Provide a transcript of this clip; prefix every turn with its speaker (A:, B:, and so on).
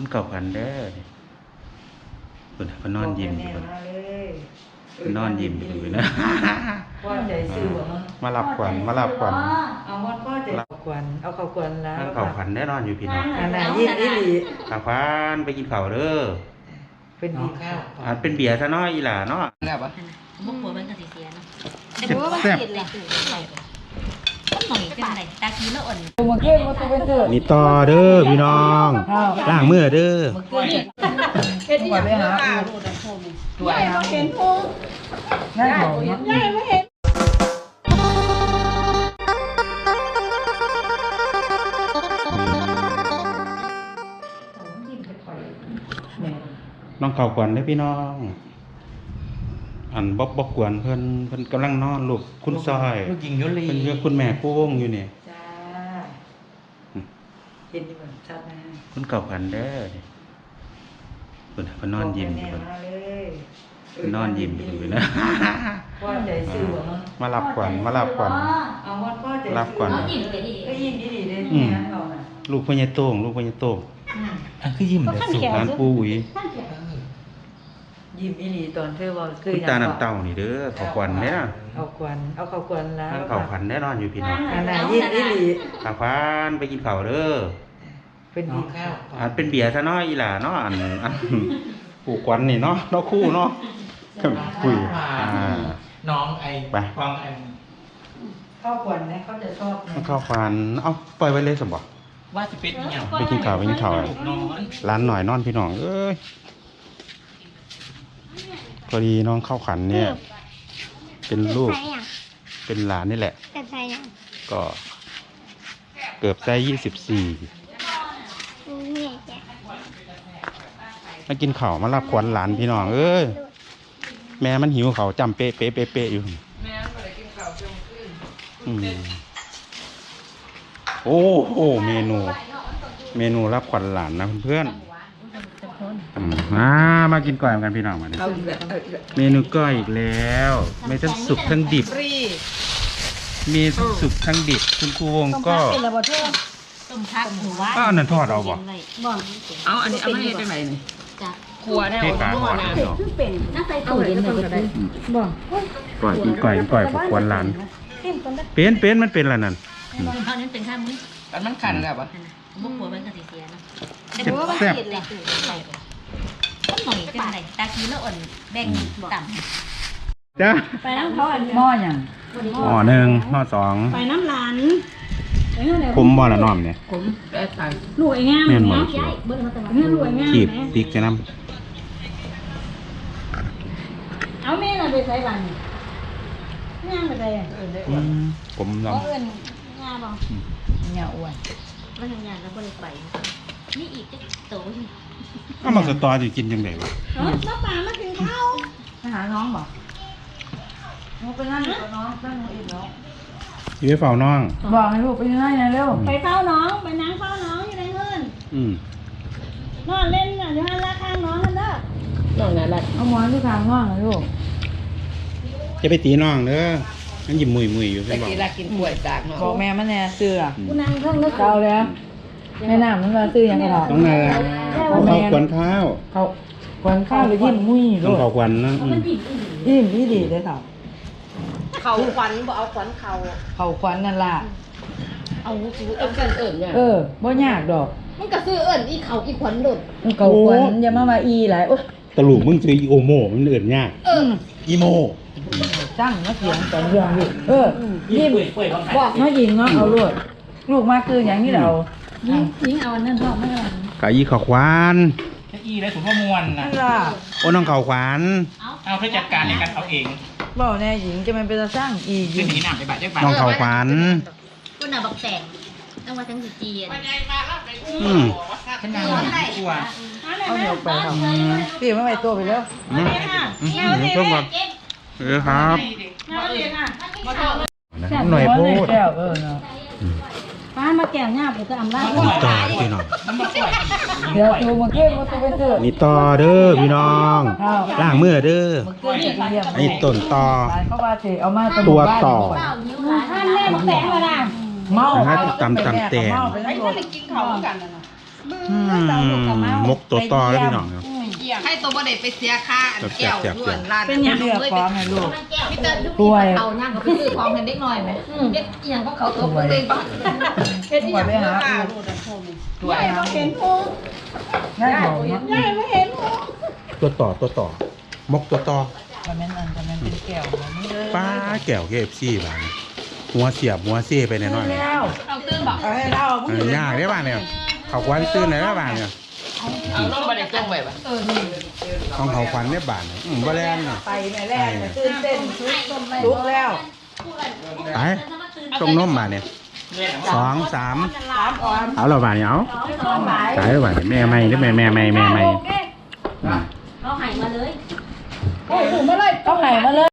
A: คุณเก่าพันเด้อคุณพนอนยิ้มอยู่นอนยิ้มอยู่นะมาหลับขวัญมาหลับขวัญ
B: เอาฮอดพ่อใจขวัญเอาข้าวขวัญแล้ว
A: เก่าพันได้นอนอยู่พี่น้อง
B: อันน่ะยิ้มอีหลี
A: ข้าวพันไปกินข้าวเด้อ
B: เป็นดีข้าว
A: เป็นเบียร์ซะน้อยอีหล่าเนาะ
C: แบบว่า
D: บุกหัวมันก็สิเสียเนาะ
A: แซ่บ
D: ต้องหน่อยจังไดตาคีแล้วอ่อน
B: มาเก็บมาตัวเป็นเถอะ
A: นี่ต่อเด้อพี่น้องล้างมือเด้อ
B: เฮ็ดที่อยากไปหาตัวไอ้เฮาเห็นพุงง่ายบ่เนาะง่ายบ่เห็น
A: น้องเก่าขวัญเด้อพี่น้องอันบ๊อบกวนเพิ่นกำลังนอนลูกคุณซอย
C: ลูกหญิงยุลี
A: เพิ่นเรียกคุณแม่โค้งอยู่นี่
B: จ้าเห็นอยู่บ่ชัดนะ
A: คุณเก่าพันเด้อคุณพนอนยิ้มอยู่นอนยิ้มอยู่นะ
B: พ่อใจซื่อบ่
A: มาหลับขวัญมาหลับขวัญ
B: เอาฮอดพ่อใจ
A: หลับขวัญ
B: ก็ยิ้มดีๆเด้แม่นเอาน่ะ
A: ลูกพ่อใหญ่โต้งลูกพ่อใหญ่โต้ง
C: คือยิ้มแต่สุด
A: ร้านปูอุ๋ย
B: ยิ้มอีหลีตอนเธอบอกคือ
A: ตาน้ำเต้านี่เด้อข้าวขวัญเนี่ย
B: เอาขวัญเอาข้าวขวัญแล้ว
A: ข้าวขวัญแน่นอนอยู่พี่น้อง
B: อันน่ะยิ้มอีหลี
A: ข้าวขวัญไปกินข้าวเด้อ
B: เป็นดีข้าว
A: เป็นเบียร์ซะน้อยอีหล่าเนาะอันปู่ขวัญนี่เนาะเนาะคู่เนาะคุย
C: น้องไอ้ฟังไอ้
B: ข้าวขวัญเนี่ยเขาจะชอบ
A: ข้าวขวัญเอาปล่อยไว้เลยสมบัติ
C: ว่าจะเป็นอย่าง
A: ไปกินข้าวร้านหน่อยนอนพี่น้องเอ้ยพอดีน้องเข้าขันเนี่ยเป็นลูกเป็นหลานนี่แหละก็เกือบได้24มากินข้าวมารับขวัญหลานพี่น้องเอ้ยแม่มันหิวเขาจำเป๊ะอยู่
B: แม่ก็เลยกินข้าวเที่ยงคืน
A: โอ้โหเมนูรับขวัญหลานนะเพื่อนมากินก้อยกันพี่น้องมาเนี่ยเมนูก้อยอีกแล้วไม่ทั้งสุกทั้งดิบมีทั้งสุกทั้งดิบคุณครูวงก็
D: ต้มผักหมูว่า
A: อันนั้นทอดเอาบ่
B: เอาอันนี้เอามาให้จังไหนนี่ครัวได้
A: เอาทอดเนาะ
D: เป็นน่าใส่ตู้เย็นเลย
B: บ่
A: ก้อยพวกควนหลานเป็นมันเป็นอะไรนั่น
D: เท่านั้นเป็นข้าวมื้อ
C: มันขันแบบว่า
D: บุกหัวมันก็สิเสียเนาะแซ่บต้องหน่อยจังไดตาคีแล้วอ่อนแบ่งต่ำ
A: จ้า
D: ไปน้ำเขาอัน
B: หม้ออย่าง
A: หม้อหนึ่งหม้อสอง
D: ไปน้ำหลาน
A: คุ้มบ่ละน้อมเนี่ย
B: คุ้มได้ตัง
D: ลูกไอ้งาม
A: แม่นบ่
D: ลูกไอ้งาม
A: ขีบพริกจะน้
D: ำเอาแม่น่ะไปใส่บ้านงามไปใส่
A: ผมลอง
D: งามบ่
B: เงาอ้วน
D: มันทำงานแล้วบ่ได้ไปนี่อีกจะโต
A: ถ้ามาสตอจะกินยังไงวะ
D: น้ำปลามากินข้าว
B: ไปหาน้องบ่น้องไปนั่งกับน้องนั่งอีกน้อง
A: อยู่ไปเฝ้าน้อง
B: บอกให้ลูกไปนั่งนะเร็ว
D: ไปเฝ้าน้องไปนั่งเฝ้าน้องอยู่ในเงินนอนเล่นน่ะอยู่หันละข้างน้องกันเด้อนอนอะไร
B: เอาหมอนที่ทางน้องนะลูก
A: จะไปตีน้องเด้อนั่นยิ้มมุยอยู่ใช่ไหม
B: บอกกินกล้วยจากน้องบอกแม่มันแน่ซื้อ
D: กูนั่งเครื่องนึก
B: เก่าแล้วแม่น้ำมันมาซื้อยังไงหรอ
A: ต้องนาเขาควนข้าว
B: เขาควนข้าวไปยิ้มมุ้ย
A: ต้องเขาควนนะ
B: ยิ้มดีเลยค่ะ
D: เขาขวัญบ่เอาขวัญ
B: เขาขวัญนั่นล่ะ
D: เอาซื้อเอิญเนี่ย
B: บ่ยากดอก
D: มันก็ซื้อเอิญอีเขาอีขวัญหลุด
B: เขาขวัญอย่ามาอีหลายโอ๊ย
A: ตะลุมึงซื้ออีโอโมมันเอิญยากอีโม
B: จ้างมาเขียนตอนเรื่องดิยิ้มบอกน้อยยิงเนาะเอาลูกมาคืออย่างนี้เรา
D: ยิงเอาอันนั้นชอบไม่เอา
A: กะอีเขาควาน
C: อีได้ผมว่ามวนนะ
A: โอ้น้องเขาควาน
C: เอาเพื่อจัดการในการเอาเอง
B: บอกแน่หญิงจะมันเป็นสร้างอีก
C: เป็นหนีหนามไปบาดเจ็บ
A: น้องเขาควาน
D: คุณน่ะบอกแต่งต้องมาทั้งสิจีน
C: ฉันนางกลัว
B: เอาเดี๋ยวไปทำพี่ไม่ไปตัวไปแล้ว
A: ช่วงก่อนครับหน่อยพูด
D: ป้ามาแก้วหน้าผมจะอำลา
A: ต่อพี่น้อง
B: เดี๋ยวตัวมาเก็บมาตัวไปเถอะ
A: นี่ต่อเด้อพี่น้องล้างมือเด้อนี่ต้นต่อตัวต่อ
D: ท่านแม่บอกแต่งมาละ
B: เมา
A: ตำแต่
D: ไม่ได้กินเขากันนะ
A: มกตัวต่อแล้วพี่น้องเนาะ
E: ให้ตัวบ่ได้ไปเสียค่าแก้วล้วนร้าน
B: เป็นยังเลือกของให้ลูก
D: พี่เตอร์ทุกทีเอาย่างก็คือของเห็นเด็กน้อยไหมเด็กอีหยังก็เขาตัวเองบ้าง
B: เฮ็ดอีหยังไปหาลูก
C: ด้วย
B: ง่ายของเนาะ
A: ตัวต่อมกตัวต่อ
B: ก็แม่นอันก็แม่นเป็นแก้วแบบนี้เลย
A: ป้าแก้ว KFC บ้านหัวเสียบหัวเซ่ไปหน่อย
B: แล้ว
D: เอาตื้นบอก
B: เอาให้เรา
A: ๆยากได้บ้านเนี่ยเขาควันตื้นเลยนะบ้านเนี่ย
C: เอาลงมาในกล้องไว้ป่ะ
A: ของเขาควันเนี่ยบ้านบ่แรงน่ะ
B: ไปแม่แรกตื่นเต้นลุกแล้ว
A: ไปตรงนมบ้านเนี่ย2 3
B: 3 ออน
A: เอาเราบ้านเนี่ยเอาตายแล้วบ้านเนี่ยแม่ใหม่หรือแม่ใหม่
D: เขาหายมาเลย
B: ต้องไหนมาเลย